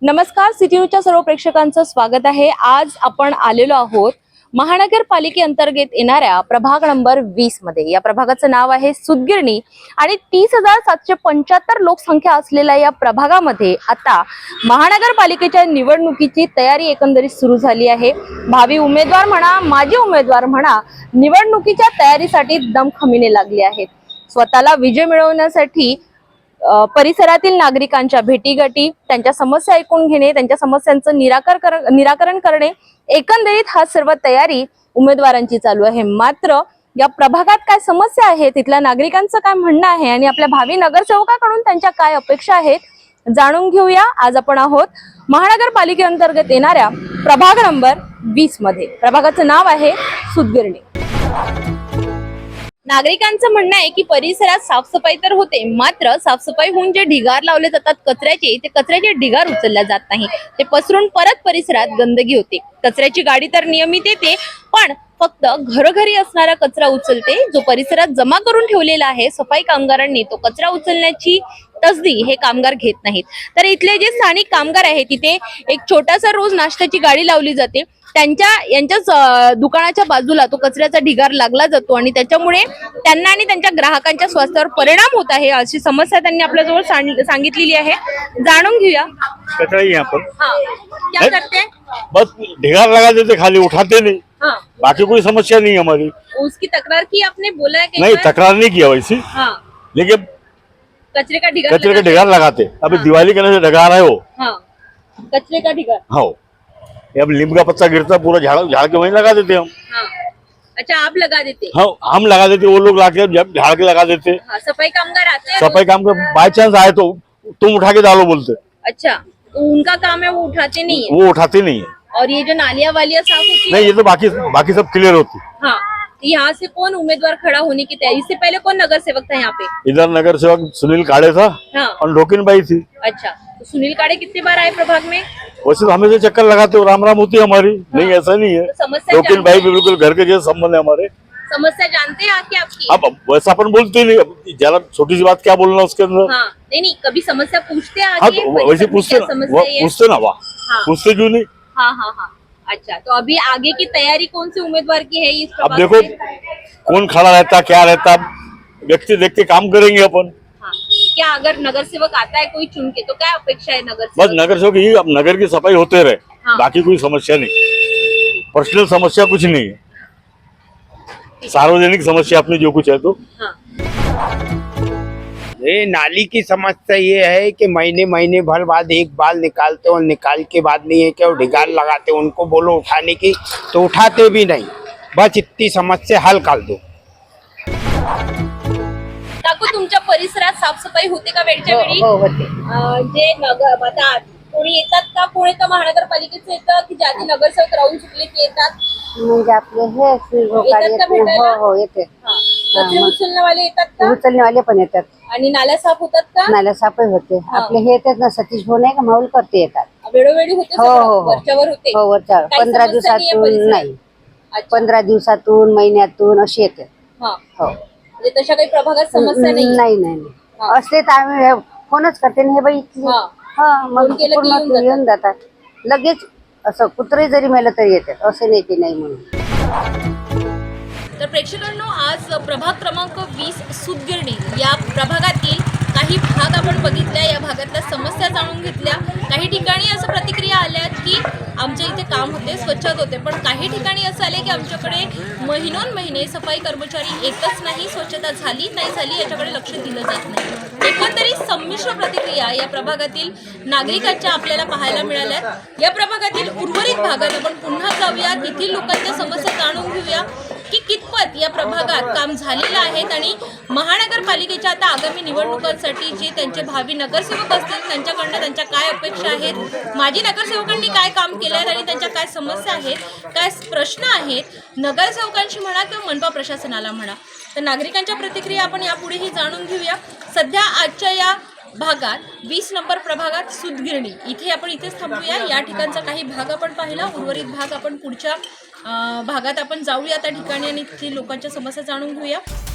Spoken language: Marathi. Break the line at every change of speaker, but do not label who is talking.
नमस्कार, सिटी न्यूजच्या सर्व प्रेक्षकांचं स्वागत आहे। आज आपण आलेलो आहोत महानगरपालिकेअंतर्गत येणाऱ्या प्रभाग नंबर 20 मध्ये। या प्रभागाचं नाव आहे सुतगिरणी आणि 30,775 लोकसंख्या असलेल्या या प्रभागामध्ये आता महानगरपालिकेच्या निवडणुकीची तयारी एकंदरीत सुरू झाली आहे। भावी उमेदवार म्हणा, माजी उमेदवार म्हणा, निवडणुकीच्या तयारीसाठी दमखमीने लागले आहेत। स्वतःला विजय मिळवण्यासाठी परिसरातील नागरिकांच्या भेटीगाठी, त्यांच्या समस्या ऐकून घेणे, त्यांच्या समस्यांचं निराकरण करणे, एकंदरीत हा सर्व तयारी उमेदवारांची चालू आहे। मात्र या प्रभागात काय समस्या आहे, तिथल्या नागरिकांचं काय म्हणणं आहे आणि आपल्या भावी नगरसेवकाकडून त्यांच्या काय अपेक्षा आहेत जाणून घेऊया। आज आपण आहोत महानगरपालिकेअंतर्गत येणाऱ्या प्रभाग नंबर 20 मध्ये। प्रभागाचं नाव आहे सुतगिरणी। नागरिकांचं म्हणणं आहे की परिसरात साफसफाई तर होते, मात्र साफसफाई होऊन जे ढिगार लावले जातात कचऱ्याचे, ते कचऱ्याचे ढिगार उचलल्या जात नाही। ते पसरून परत परिसरात गंदगी होते। कचऱ्याची गाडी तर नियमित येते, पण फक्त घरोघरी असणारा कचरा उचलते, जो परिसरात जमा करून ठेवलेला आहे सफाई कामगारांनी तो कचरा उचलण्याची तसदी हे कामगार घेत नाहीत। तर इथले जे स्थानिक कामगार आहेत, तिथे एक छोटासा रोज नाश्त्याची गाडी लावली जाते। यांच्याच दुकानाच्या बाजूला तो कचऱ्याचा ढिगार लागला जातो आणि त्याच्यामुळे त्यांना आणि त्यांच्या ग्राहकांच्या स्वास्थ्यावर परिणाम होत आहे, अशी समस्या त्यांनी आपल्याजवळ सांगितलेली आहे। जाणून घेऊया।
कचरा ही यहाँ पर
क्या करते हैं?
बस ढिगार लगा देते, खाली उठाते नहीं।
हाँ।
बाकी कोई समस्या नहीं है हमारी।
उसकी तकरार की आपने बोला है कि
नहीं, तकरार नहीं किया वैसी।
हाँ।
लेकिन
कचरे का
ढिगार लगाते। अभी दिवाली करने से ढिगार है वो।
हाँ। कचरे का ढिगार।
हाँ, अब नीम का पत्ता गिरता पूरा झाड़ के वहीं लगा देते हम।
हाँ। अच्छा, आप लगा देते?
हाँ, हम लगा देते, वो लोग लाके जब झाड़ के लगा देते।
हाँ, सफाई कामगार आते हैं?
सफाई काम का बाई चांस आए तो तुम उठा के डालो बोलते।
अच्छा, तो उनका काम है, वो उठाते नहीं है?
वो उठाते नहीं है।
और ये जो नालियां वालियां साफ होती है?
नहीं, ये तो बाकी सब क्लियर होती।
हाँ। यहाँ से कौन उम्मीदवार खड़ा होने की तैयारी? इससे पहले कौन नगर सेवक था यहाँ पे?
इधर नगर सेवक सुनील काड़े था।
हाँ।
और ढोकिन बाई थी।
अच्छा, तो सुनील काड़े कितने बार आए प्रभाग में?
वैसे तो हमेशा चक्कर लगाते हो, राम राम होती है हमारी। नहीं, ऐसा नहीं है।
तो समस्या
ढोकिन भाई भी बिल्कुल घर के जैसे संबंध है हमारे।
समस्या जानते हैं आके आपकी?
अब वैसा अपन बोलते ही नहीं, अब जरा छोटी सी बात क्या बोलना उसके अंदर।
हाँ, नहीं, कभी समस्या पूछते हैं
हाँ,
आके?
तो वैसे पूछते ना, पूछते ना, वाह,
हाँ।
पूछते क्यों नहीं।
हाँ। अच्छा, तो अभी आगे की तैयारी कौन से उम्मीदवार की है इस
अब
प्रभाग
देखो
से?
कौन खड़ा रहता, क्या रहता, व्यक्ति देख के काम करेंगे अपन।
हाँ। क्या अगर नगर सेवक आता है कोई चुन के, तो क्या अपेक्षा है नगर
बस
सेवक?
नगर सेवक ही, अब नगर की सफाई होते रहे।
हाँ।
बाकी कोई समस्या नहीं, पर्सनल समस्या कुछ नहीं है। सार्वजनिक समस्या अपनी जो कुछ है तो।
हाँ।
ये नाली की समस्या ये है कि महीने भर बाद एक बाल निकालते और निकाल के बाद नहीं है कि वो ढिगार लगाते, उनको बोलो उठाने की तो उठाते भी नहीं। बस इतनी समस्या हल कर दो।
काकू, तुमच्या परिसरात साफसफाई होते का वेळच्या वेळी?
हो होते।
जे नगर आता कोणी येतात का, कोणी तर महानगरपालिकेचं येतं की ज्याची नगरसेवक राहून चुकले ते येतात?
म्हणजे आपले हे
येतात का भेटायला?
हो येते।
हा. कचरे उचलणे वाले येतात का?
उचलणे वाले पण येतात,
आणि नाल्या साफ होतात का?
नाल्या साफही होते। आपले हे येतात ना, सतीश भाऊ नाही का, माऊल करते येतात।
वेळोवेळी होते
हो,
सगळं?
हो, हो.
वरच्यावर होते?
हो वरच्या
काही
15
समस्या नाहीये
दिवसातून
परिसरात?
नाही,
अच्छा.
15 दिवसातून, महिन्यातून अशी येते।
हा.
हो,
म्हणजे तशा काही प्रभागात समस्या नाही?
नाही
हा.
असते तर आम्ही फोनच करते ना, हे बाई इथली।
हा.
हा, मग
फोन केलं की
पूर्ण येऊन जातात लगेच। असं कुत्रे जरी मेलं तरी येतात, असं नाही की नाही म्हणून।
तर प्रेक्षकांनो, आज प्रभाग क्रमांक 20 सुतगिरणी या प्रभागातील काही भाग आपण बघितल्या, या भागातल्या समस्या जाणून घेतल्या। काही ठिकाणी असं प्रतिक्रिया आल्या की आमच्या इथे काम होते, स्वच्छता होते, पण काही ठिकाणी असं आले की आमच्याकडे महिने सफाई कर्मचारी येतच नाही, स्वच्छता झाली नाही झाली याच्याकडे लक्ष दिलं जात नाही। एकंदरीत संमिश्र प्रतिक्रिया या प्रभागातील नागरिकांच्या आपल्याला पाहायला मिळाल्यात। या प्रभागातील उर्वरित भागात आपण पुन्हा जाऊया, तेथील लोकांच्या समस्या जाणून घेऊया की कितपत या प्रभागात काम झालेलं आहे आणि महानगरपालिकेच्या आता आगामी निवडणुकांसाठी जे त्यांचे भावी नगरसेवक असतील त्यांच्याकडनं त्यांच्या काय अपेक्षा आहेत, माजी नगरसेवकांनी काय काम केलं आहे आणि त्यांच्या काय समस्या आहेत, काय प्रश्न आहेत नगरसेवकांशी म्हणा किंवा मनपा प्रशासनाला म्हणा। तर नागरिकांच्या प्रतिक्रिया आपण यापुढेही जाणून घेऊया। सध्या आजच्या या भागात 20 नंबर प्रभागात सुतगिरणी इथेच थांबूया। या ठिकाणचा काही भाग आपण पाहिला, उर्वरित भाग आपण पुढच्या भागात आपण जाऊया त्या ठिकाणी आणि तिथे लोकांच्या समस्या जाणून घेऊया।